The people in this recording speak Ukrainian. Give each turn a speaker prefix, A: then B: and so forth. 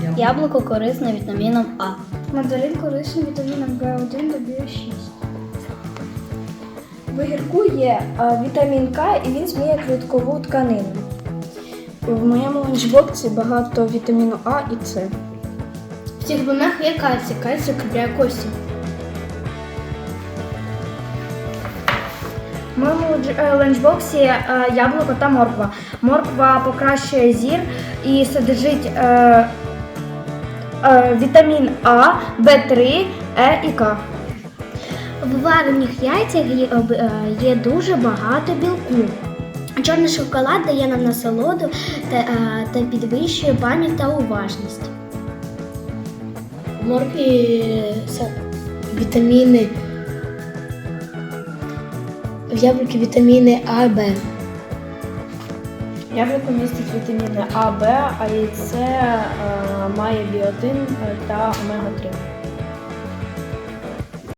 A: Яблуко корисне вітаміном А.
B: Мандарин корисний вітаміном В1 та В6. В огірку є вітамін К і він зміє кліткову тканину. В моєму ланчбоксі багато вітаміну А і С.
A: В цих бонах є кальцій. Кальцій укріпляє кості.
B: В моєму ланчбоксі яблуко та морква. Морква покращує зір і содержить вітамін А, В3, Е і К.
A: В варених яйцях є дуже багато білку. Чорний шоколад дає нам насолоду та підвищує пам'ять та уважність. В моркві вітаміни. В яблукі вітаміни А, Б.
B: Яблуко містить вітаміни А, Б, а яйце має біотин та омега-3.